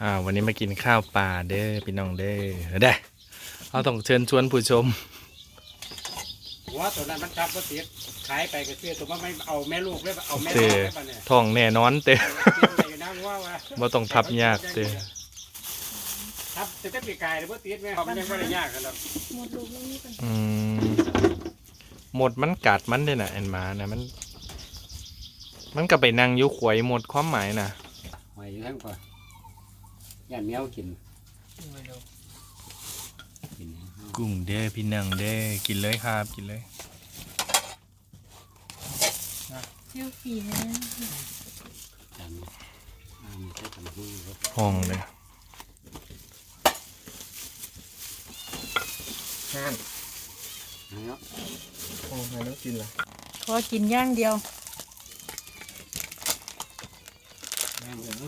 วันนี้มากินข้าวปลาเด้อพี่น้องเด้อได้เราต้องเชิญชวนผู้ชมหัวตัวนั้นมันจับก็ติดขายไปก็เชื่อตัวมันไม่เอาแม่ลูกเลยเอาแม่เตลูกได้ปะเนี่ยท้องแน่นอนเต้อยู่นะว่าบ่ต้องทับยากเต้ทับจะปีกายหรือว่าติดไหมเขามันยังไม่ได้ยากกันหรอกหมดลูกแล้วนี่กันหมดมันกัดมันด้วยนะแอนมานะมันก็ไปนั่งยุขวยหมดความหมายนะหอยอยู่ทั้งกว่าย่านแมวกินกุ้งเด้อพี่น้องเด้อกินเลยครับกินเลยเที่ยวฝีนะจานนี้ใช้ทำหุ้นครับห้องเลยห้างเนาะโอ้ไม่ต้องกินละขอกินย่างเดียวแม่งเลย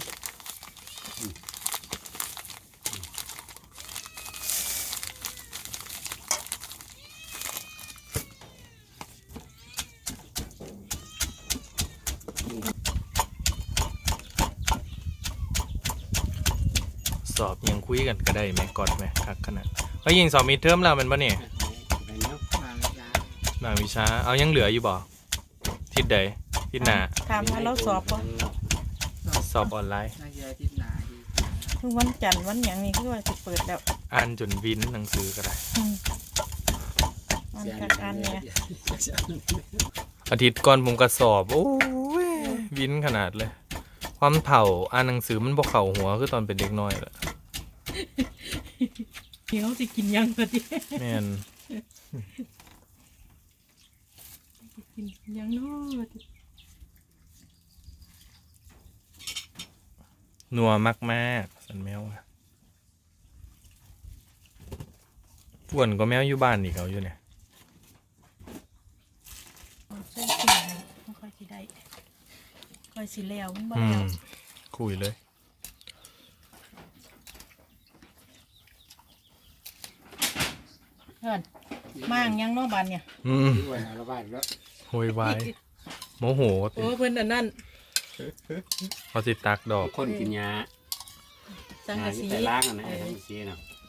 สอบยังคุยกันก็ได้ไหมกอดไหมคักขนาดเฮ้ยยิงสอบมีเทอมแล้วมันปะเนี่ยไปเนาะมาวิชาบางวิชาเอายังเหลืออยู่บ่ทิศใดทิศหน้าถามว่าเราสอบปะสอบออนไลน์น่าจะที่หนาดีทุกวันจันทร์วันอย่างนี้คือว่าจะเปิดแล้วอ่านจนวินหนังสือก็ได้มันจากอันเนี่ยอาทิตย์ก่อนผมก็สอบโอ้ยวินขนาดเลย ความเผาอ่านหนังสือมันบ่เข่าหัวคือตอนเป็นเด็กน้อยแหละเดี๋ยวจะกินย่างพอดีแม่นกินย่างน้อยนัวมากๆสันแมวอะอ้วนก็แมวอยู่บ้านอีกเขาอยู่เนี่ยใส่กินไม่ค่อยสิได้ค่อยสิแล้วมันบ่แล้วคุยเลยเพื่อนมั่งยังเน้องบานเนี่ยด้วยอาละบาดแล้วโวยวายโมโหโอ้เพิ่นอันนั้นเขาสิตักดอกคนกินยาสังกะสีแต่ล้างอันไหนสังกะสีเนาะ